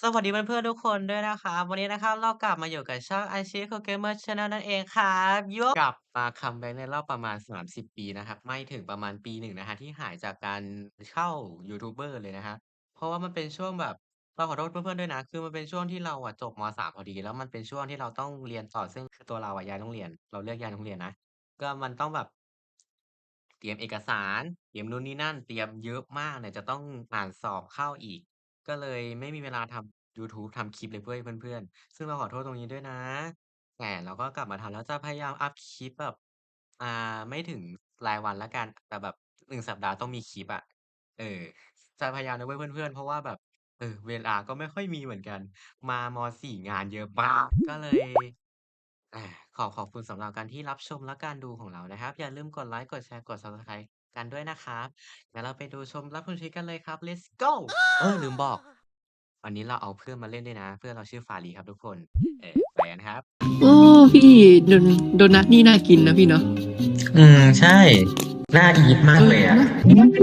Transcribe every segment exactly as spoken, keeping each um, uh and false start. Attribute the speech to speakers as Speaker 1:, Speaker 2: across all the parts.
Speaker 1: สวัสดีเพื่อนๆทุกคนด้วยนะครับวันนี้นะครับเรากลับมาอยู่กับช่อง Ichigo Gamer Channel นั่นเองครับโยกลับมาคัมแบ็กในรอบประมาณสามสิบปีนะครับไม่ถึงประมาณปีหนึ่งนะครับที่หายจากการเข้ายูทูบเบอร์เลยนะครับเพราะว่ามันเป็นช่วงแบบเราขอโทษเพื่อนๆด้วยนะคือมันเป็นช่วงที่เราอะจบมสามพอดีแล้วมันเป็นช่วงที่เราต้องเรียนต่อซึ่งคือตัวเราอะย้ายโรงเรียนเราเลือกย้ายโรงเรียนนะก็มันต้องแบบ เตรียมเอกสารเตรียมนู่นนี่นั่นเตรียมเยอะมากเนี่ยจะต้องอ่านสอบเข้าอีกก็เลยไม่มีเวลาทำยูทูบทำคลิปเลยเว้ยเพื่อนๆซึ่งเราขอโทษตรงนี้ด้วยนะแต่เราก็กลับมาทำแล้วจะพยายามอัปคลิปแบบอ่าไม่ถึงรายวันแล้วกันแต่แบบหนึ่งสัปดาห์ต้องมีคลิปอะเออจะพยายามนะเว้ยเพื่อนๆเพราะว่าแบบเออเวลาก็ไม่ค่อยมีเหมือนกันมามสี่งานเยอะมากก็เลย อาขอขอบคุณสำหรับการที่รับชมและการดูของเรานะครับอย่าลืมกดไลก์กดแชร์กด Subscribe กันด้วยนะครับงั้นเราไปดูชมรับชมคลิปกันเลยครับ Let's go เออลืมบอกวันนี้เราเอาเพื่อนมาเล่นด้วยนะเพื่อนเราชื่อฟารีครับทุกคนเออไปกันครับ
Speaker 2: โอ้พี่โดนโดนัทนี่น่ากินนะพี่เนาะ
Speaker 3: อืมใช่น่าอีทมา
Speaker 2: เออ
Speaker 3: กเลยอะ
Speaker 2: นะ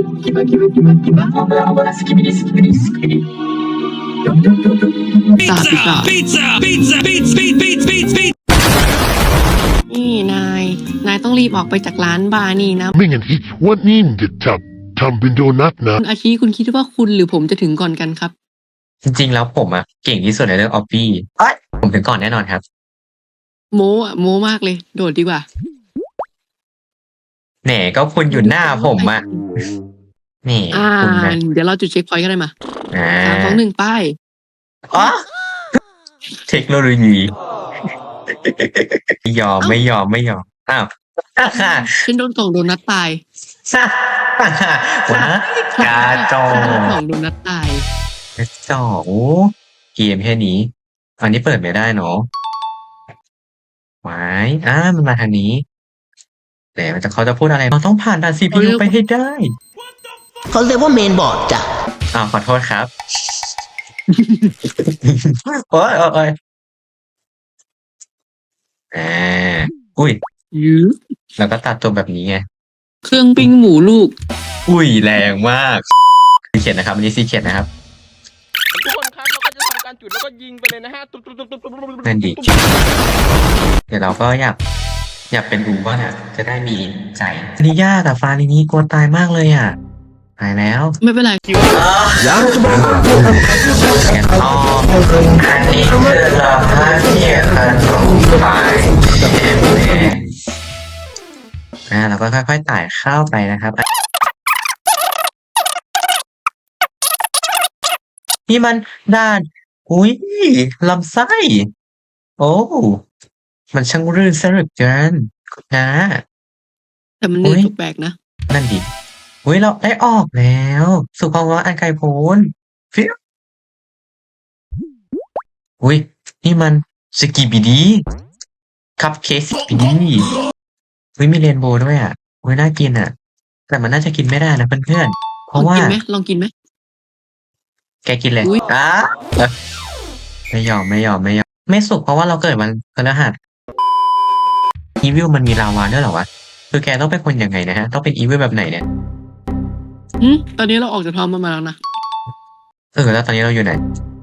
Speaker 2: ตาปิ
Speaker 4: Pizza!
Speaker 2: ตา
Speaker 4: Pizza! Pizza! Pizza! Pizza! Pizza! Pizza!
Speaker 2: นี่นายนายต้องรีบออกไปจากร้านบาร์นี่นะ
Speaker 5: ไม่งั้นที่วันนี้มันจะทำทำเป็นโดนัทนะ
Speaker 2: คุณอาชีคุณคิดว่าคุณหรือผมจะถึงก่อนกันครับ
Speaker 3: จริงๆแล้วผมอะเก่งที่สุดในเรื่อง Obby เอ๊ยผมถึงก่อนแน่นอนครับ
Speaker 2: โม้อะโม้มากเลย โดดดีกว่า
Speaker 3: แหน่ก็คุณอยู่หน้าผมอะแหน่
Speaker 2: อ่า
Speaker 3: คุณนะ
Speaker 2: เดี๋ยวเราจุดเช็คพอยต์กันเลยมา
Speaker 3: อ่
Speaker 2: สามสอง
Speaker 3: า
Speaker 2: หนึ่งไป้าย
Speaker 3: อ๋อเทคโนโลยีไม่ยอมไม่ยอมไม่ยอมอ้าวฮ่า
Speaker 2: ฉันโดนส่งโดนัทตาย
Speaker 3: ฮ่าฮ่าว้ายกาจอ
Speaker 2: ฉันโดนส่งโดนัทตาย
Speaker 3: กาจอโอ้เกมแค่นี้อันนี้เปิดไม่ได้เนาะวายอ้ามันมาทางนี้ แต่มันจะเขาจะพูดอะไรเราต้องผ่านด่าน ซี พี ยู ไปให้ได้
Speaker 6: เขาเรียกว่าเมนบอร์ดจ้ะ
Speaker 3: อ้าวขอโทษครับ โอ๊ยโอ๊ยโอ๊ยอาอุ้ย
Speaker 2: ยื้อ
Speaker 3: เราก็ตัดตัวแบบนี้ไง
Speaker 2: เครื่องปิ้งหมูลูก
Speaker 3: อุ้ยแรงมากซีเขียนนะครับอันนี้ซีเขียนนะครับ
Speaker 7: ทุกคนครับเราก็จะทำการจุดแล้วก็ยิงไปเลยนะฮะตุ๊บตุ๊บตุ๊บตุ๊บตุ๊บตุ๊บตุ๊บ
Speaker 3: นั่นดิเดี๋ยวเราก็อยากอยากเป็นอูบ้างอะจะได้มีใจอันนี้ยากอะฟาลินี่กลัวตายมากเลยอะตายแล้ว
Speaker 2: ไม่เป็นไร
Speaker 3: กันต่ออันนี้คือเราถ้าเทียบกันสองฝ่ายอ่าเราก็ค่อยๆไต่เข้าไปนะครับนี่มันด้านอุ้ยลำไส้โอ้มันช่างรื่นซะเหลือเกินนะ
Speaker 2: แต่มันเนื้อแปลกๆนะ
Speaker 3: นั่นดิอุ้ยเราได้ออกแล้วสุภาวะอันไกลโพ้นฟิวอุ้ยนี่มันสกีบิดีคัพเค้กสกีบิดีอุ้ยมีเรนโบว์ด้วยอ่ะอุ้ยน่ากินอ่ะ แต่มันน่าจะกินไม่ได้นะเพื่อนๆเพ
Speaker 2: ลอง
Speaker 3: ราะว่า
Speaker 2: กินไหมลองกินไหม
Speaker 3: แกกินเลย
Speaker 2: อุ๊ย
Speaker 3: อ้าเอ้ยไม่ยอมไม่ยอมไม่ยอมไม่สุกเพราะว่าเราเกิดวันพฤหัสอีวิลมันมีลาวาด้วยเหรอวะคือแกต้องเป็นคนยังไงนะฮะต้องเป็นอีวิลแบบไหนเนี่ย
Speaker 2: อืมตอนนี้เราออกจากท้องมันมาแล้วนะ
Speaker 3: เออแล้วตอนนี้เราอยู่ไหน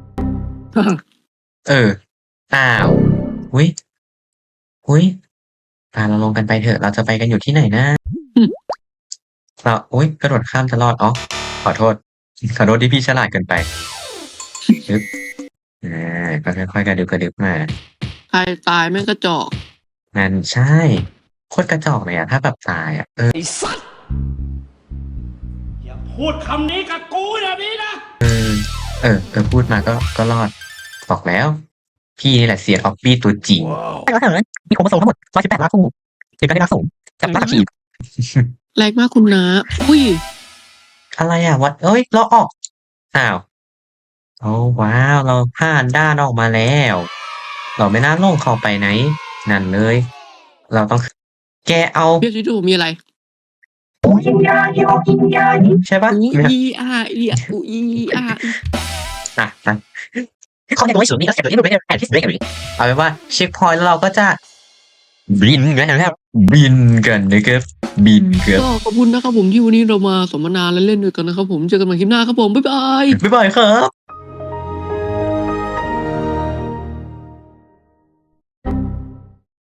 Speaker 3: เออ อ้าวอุ้ยอุ้ยพาเราลงกันไปเถอะ เราจะไปกันอยู่ที่ไหนนะ
Speaker 2: อืม
Speaker 3: เราอุ้ยกระโดดข้ามจะรอดอ๋อขอโทษ ขอโทษที่พี่ฉลาดเกินไปดึบอ่าก็ค่อยๆกระดึบกระดึบมา
Speaker 2: ใครตายแม่งกระจอก
Speaker 3: นั่นใช่ โคตรกระจอกเลยอะถ้าแบบตายอะเออ
Speaker 4: ไอ้สัตว์อย่าพูดคำนี้กับกูแบบนี้นะ
Speaker 3: เออ เออ เออ พูดมาก็ ก็รอด บอกแล้ว พี่นี่แหละเซียนออฟฟี่ตัวจริง
Speaker 6: ใช่แล้วเถอะมีโครโมโซมทั้งหมดร้อยสิบแปดล้านคู่ถึงการได้รับสูงกับรากขีด
Speaker 2: แรงมากคุณนะอุ้ย
Speaker 3: อะไรอ่ะวัดเอ้ย เราออก อ้าว โอ้ว้าว เราผ่านด้านออกมาแล้ว เราไม่น่าลงเข้าไปไหน นั่นเลย เราต้อง แกเอา
Speaker 2: เรียกที่ดูมีอะไร
Speaker 3: ใช่ปะ
Speaker 2: อู
Speaker 3: ไม่
Speaker 2: อีอาอีอะอูอีอาอี
Speaker 3: อ่ะอ่ะ
Speaker 6: เขาเนี่ยรู้สูงนี่แล้วเสร็จตัวนี้ดูไปแอนที่สุดเลยกัน
Speaker 3: เอาเป็นว่าเช็คพอยต์แล้วเราก็จะ บินกันนะครับบินกันนะครับบินครับ
Speaker 2: ก็ขอบคุณนะครับผมที่วันนี้เรามาสมนาและเล่นด้วยกันนะครับผมเจอกันใหม่คลิปหน้าครับผมบ๊ายบาย
Speaker 3: บ๊ายบายครับ